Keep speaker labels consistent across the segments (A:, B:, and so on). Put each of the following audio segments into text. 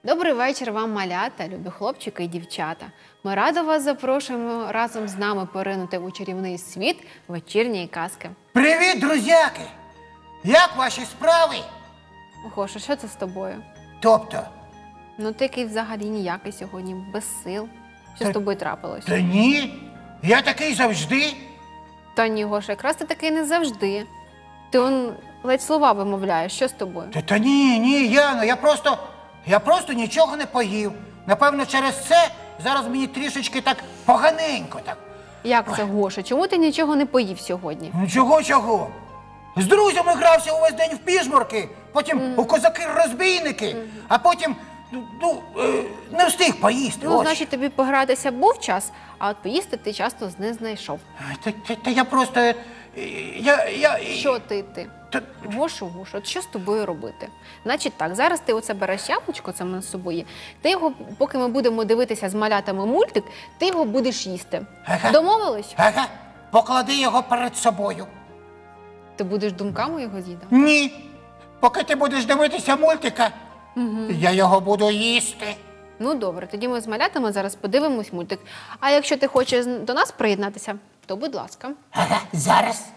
A: Добрий вечір вам, малята, любі хлопчики і дівчата. Ми радо вас запрошуємо разом з нами поринути у чарівний світ вечірньої казки.
B: Привіт, друзяки! Як ваші справи?
A: Гоша, що це з тобою?
B: Тобто?
A: Ну ти який взагалі ніякий сьогодні, без сил. Що з тобою трапилось?
B: Та ні, я такий завжди.
A: Та ні, Гоша, якраз ти такий не завжди. Ти ледь слова вимовляєш, що з тобою?
B: Та ні, Яно, я просто нічого не поїв. Напевно, через це зараз мені трішечки так поганенько так.
A: Як це, Гоша? Чому ти нічого не поїв сьогодні?
B: Ну чого? З друзями грався увесь день в піжмурки, потім у козаки-розбійники, а потім, не встиг поїсти.
A: Ну,
B: ось.
A: значить, тобі погратися був час, а от поїсти ти часто не знайшов.
B: Та я просто...
A: Що ти? Гошу, от що з тобою робити? Значить так, зараз ти оце береш яблучко, це в нас з собою є, ти його, поки ми будемо дивитися з малятами мультик, ти його будеш їсти.
B: Ага.
A: Домовились?
B: Ага, поклади його перед собою.
A: Ти будеш думками його з'їдати?
B: Ні, поки ти будеш дивитися мультика, я його буду їсти.
A: Ну добре, тоді ми з малятами зараз подивимось мультик. А якщо ти хочеш до нас приєднатися, то будь ласка.
B: Ага, зараз.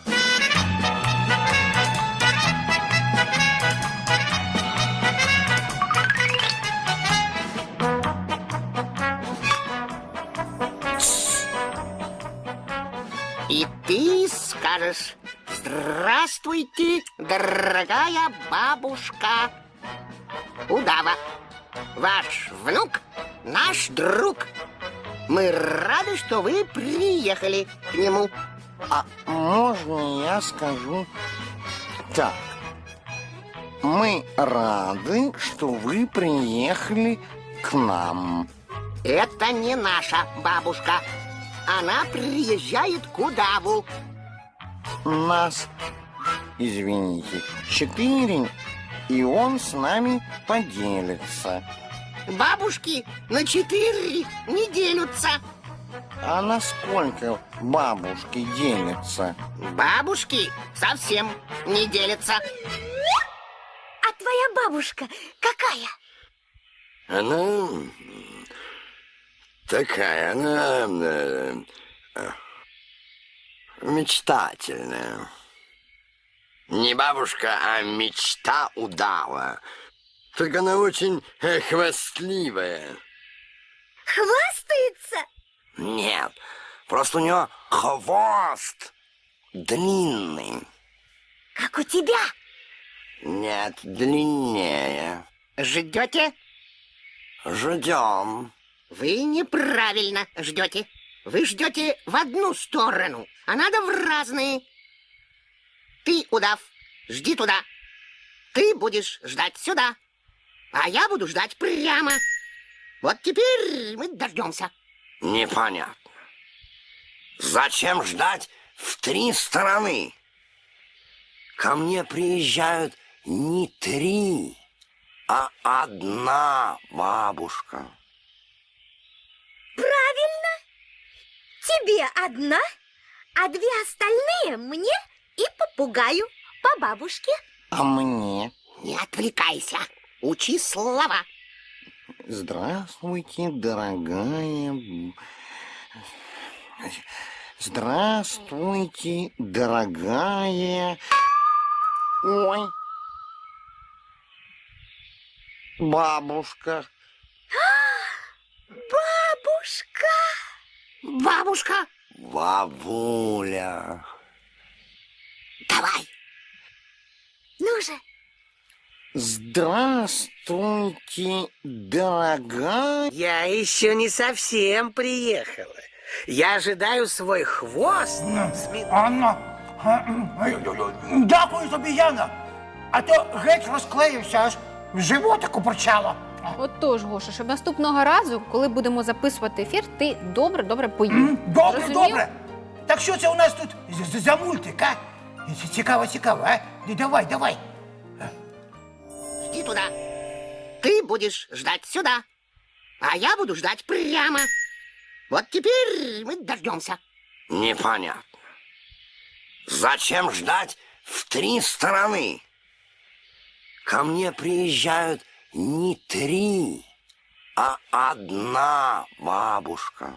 C: И ты скажешь: «Здравствуйте, дорогая бабушка Удава. Ваш внук – наш друг. Мы рады, что вы приехали к нему».
D: А можно я скажу так? Мы рады, что вы приехали к нам.
C: Это не наша бабушка. Она приезжает к Удаву.
D: Нас, извините, 4, и он с нами поделится.
C: Бабушки на 4 не делятся.
D: А на сколько бабушки делятся?
C: Бабушки совсем не делятся.
E: А твоя бабушка какая?
F: Она такая, она мечтательная. Не бабушка, а мечта удава. Только она очень хвастливая.
E: Хвастается?
F: Нет, просто у нее хвост длинный.
E: Как у тебя?
F: Нет, длиннее.
C: Ждете?
F: Ждем.
C: Вы неправильно ждете. Вы ждете в одну сторону, а надо в разные. Ты, удав, жди туда. Ты будешь ждать сюда, а я буду ждать прямо. Вот теперь мы дождемся.
F: Непонятно. Зачем ждать в 3 стороны? Ко мне приезжают не 3, а 1 бабушка.
E: Правильно. Тебе одна, а 2 остальные мне и попугаю по бабушке.
D: А мне?
C: Не отвлекайся. Учи слова.
D: Здравствуйте, дорогая... Здравствуйте, дорогая... Ой. Бабушка.
E: Бабушка.
C: Бабушка,
F: Бабуля.
C: давай.
E: Ну же.
D: Здравствуйте, дорогая...
G: Я еще не совсем приехала. Я ожидаю свой хвост.
B: Анна, дякую тобі, Яна. А то геть розклеївся, аж в животику почало.
A: Отож, Гоша, щоб наступного разу, коли будемо записувати ефір, ти добре поїв.
B: Добре,
A: Зрозумів?
B: добре. Так що це у нас тут за мультик, а? Цікаво, а? Давай.
C: Жди туда. Ты будешь ждать сюда, а я буду ждать прямо. Вот теперь мы дождемся.
F: Непонятно. Зачем ждать в 3 стороны? Ко мне приезжают не 3, а 1 бабушка.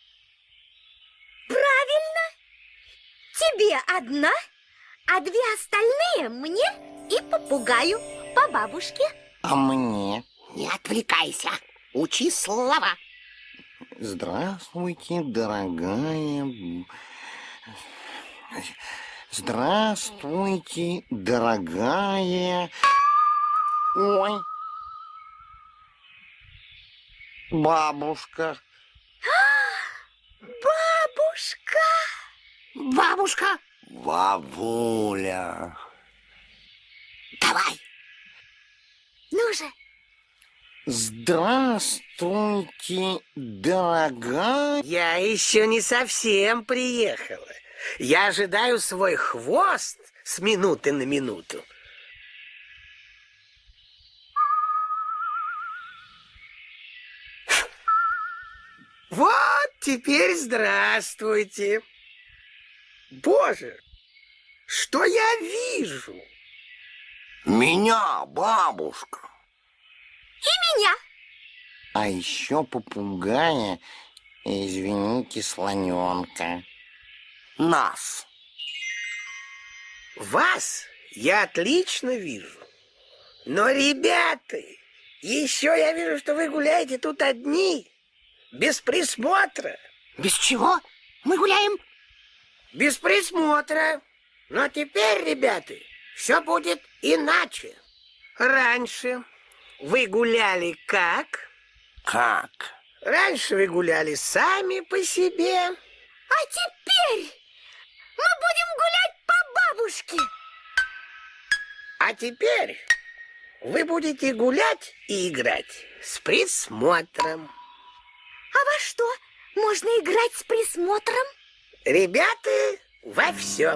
E: Правильно. Тебе 1, а 2 остальные мне и попугаю по бабушке.
D: А мне?
C: Не отвлекайся. Учи слова.
D: Здравствуйте, дорогая... Здравствуйте, дорогая... Ой. Бабушка.
E: Бабушка.
C: Бабушка,
F: Бабуля.
C: давай.
E: Ну же.
D: Здравствуйте, дорогая...
G: Я еще не совсем приехала. Я ожидаю свой хвост с минуты на минуту. Вот теперь здравствуйте. Боже, что я вижу?
F: Меня, бабушка.
E: Меня.
D: А еще попугая, извините, слоненка.
F: Нас.
G: Вас я отлично вижу. Но, ребята, еще я вижу, что вы гуляете тут одни, без присмотра.
C: Без чего мы гуляем?
G: Без присмотра. Но теперь, ребята, все будет иначе. Раньше вы гуляли как?
F: Как?
G: Раньше вы гуляли сами по себе.
E: А теперь мы будем гулять по бабушке.
G: А теперь вы будете гулять и играть с присмотром.
E: А во что можно играть с присмотром?
G: Ребята, во все.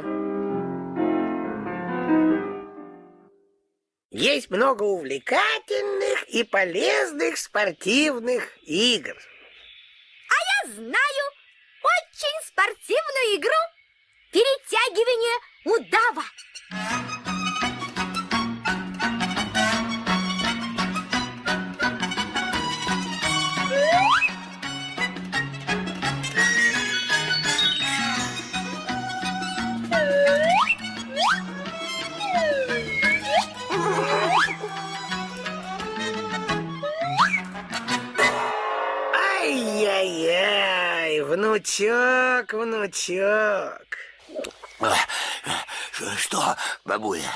G: Есть много увлекательных и полезных спортивных игр.
E: Я знаю очень спортивную игру. Перетягивание удава.
G: Ай-яй-яй, внучок, внучок.
F: Что, бабуля?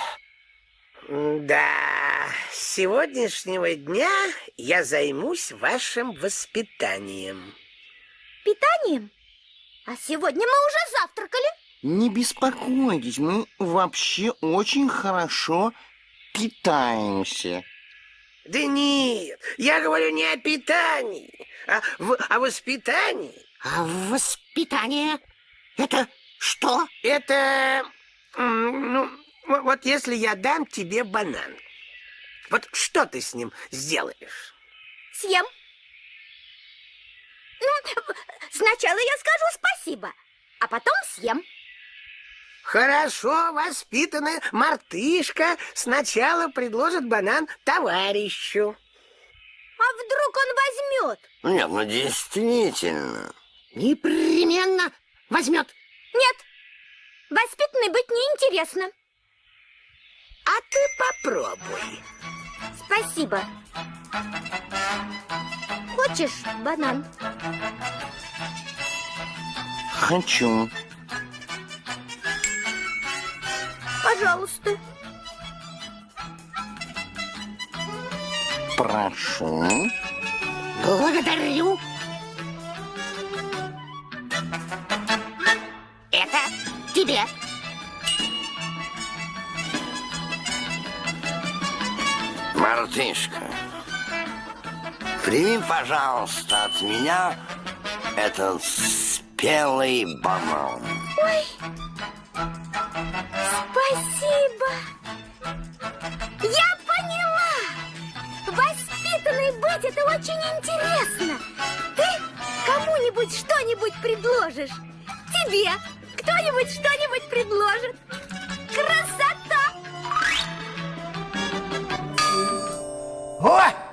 G: Да, с сегодняшнего дня я займусь вашим воспитанием.
E: Питанием? А сегодня мы уже завтракали.
D: Не беспокойтесь, мы вообще очень хорошо питаемся.
G: Да нет, я говорю не о питании, а о воспитании.
C: А воспитание — это что?
G: Это, вот если я дам тебе банан, вот что ты с ним сделаешь?
E: Съем. Сначала я скажу спасибо, а потом съем.
G: Хорошо воспитанная мартышка сначала предложит банан товарищу.
E: А вдруг он возьмет?
F: Нет, ну действительно.
C: Непременно возьмет.
E: Нет, воспитанной быть неинтересно.
G: А ты попробуй.
E: Спасибо. Хочешь банан?
D: Хочу.
E: Пожалуйста.
D: Прошу.
C: Благодарю. Это тебе.
F: Мартышка, прими, пожалуйста, от меня этот спелый банан.
E: Ой, спасибо. Я поняла. Воспитанной быть это очень интересно. Ты кому-нибудь что-нибудь предложишь. Тебе кто-нибудь что-нибудь предложит. Красота!
B: О!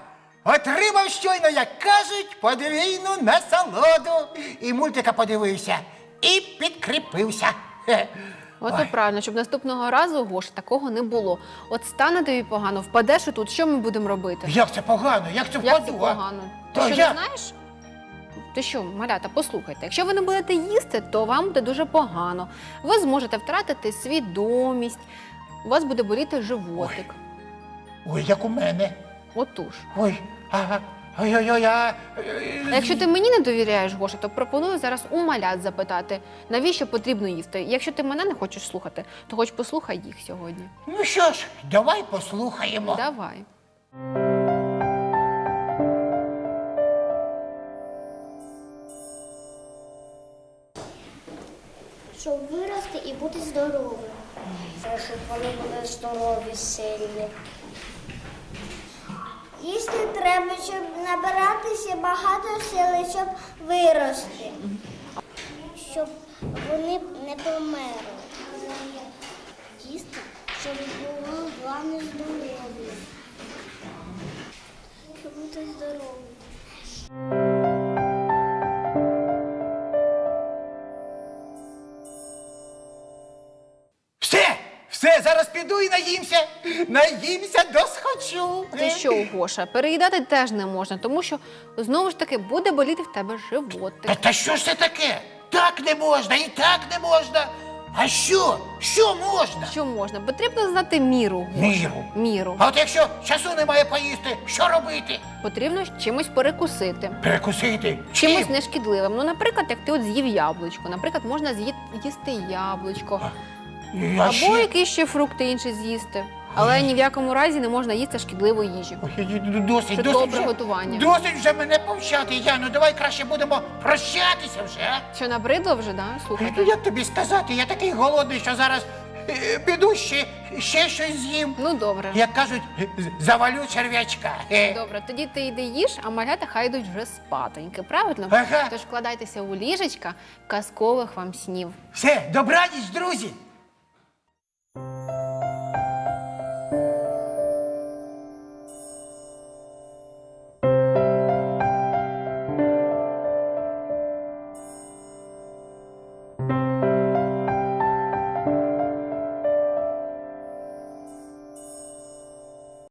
B: як кажуть, подвійну насолоду. І мультика подивився, і підкріпився.
A: От і правильно, щоб наступного разу, Гоша, такого не було. От стане тобі погано, впадеш тут, що ми будемо робити?
B: Як це погано? Як це
A: Як це
B: впаду? а?
A: погано? Ти
B: Та
A: що,
B: я-
A: не знаєш? Ти що, малята, послухайте, якщо ви не будете їсти, то вам буде дуже погано. Ви зможете втратити свідомість, у вас буде боліти животик.
B: Ой, як у мене.
A: Отож.
B: Ой, ага. Ой-ой-ой,
A: А якщо ти мені не довіряєш, Гоша, то пропоную зараз у малят запитати, навіщо потрібно їсти. Якщо ти мене не хочеш слухати, то хоч послухай їх сьогодні.
B: Ну що ж, давай послухаємо.
A: Давай.
E: Щоб вирости і бути здоровим. Це щоб вони були здорові, сильні. Їсти треба, щоб набиратися багато сили, щоб вирости. Щоб вони не померли. Їсти, щоб було головне здоров'я. Щоб бути здоровим.
B: Все, зараз піду і наїмся. Наїмся досхочу.
A: Ти що, Гоша, переїдати теж не можна, тому що, знову ж таки, буде боліти в тебе животик.
B: Та що ж це таке? Так не можна і так не можна. А що? Що можна?
A: Що можна? Потрібно знати міру, Гоша.
B: Міру?
A: Міру.
B: А от якщо часу немає поїсти, що робити?
A: Потрібно чимось перекусити.
B: Перекусити?
A: Чимось
B: Чим?
A: нешкідливим. Ну, наприклад, як ти от з'їв яблучко. Наприклад, можна їсти яблучко.
B: А
A: Або
B: ще?
A: якісь ще фрукти інші з'їсти. Але ні в якому разі не можна їсти шкідливу їжу.
B: Ой, досить,
A: Це
B: досить
A: добре
B: вже,
A: готування.
B: Досить вже мене повчати, Яну. Давай краще будемо прощатися вже, а?
A: Що, набридло вже, да?
B: Ну,
A: Слухайте.
B: як тобі сказати, я такий голодний, що зараз піду ще щось з'їм.
A: Ну, добре.
B: Як кажуть, завалю черв'ячка.
A: Добре, тоді ти йди їж, а малята хай йдуть вже спатоньки, правильно?
B: Ага.
A: Тож вкладайтеся у ліжечка, казкових вам снів.
B: Все, добраніч, друзі!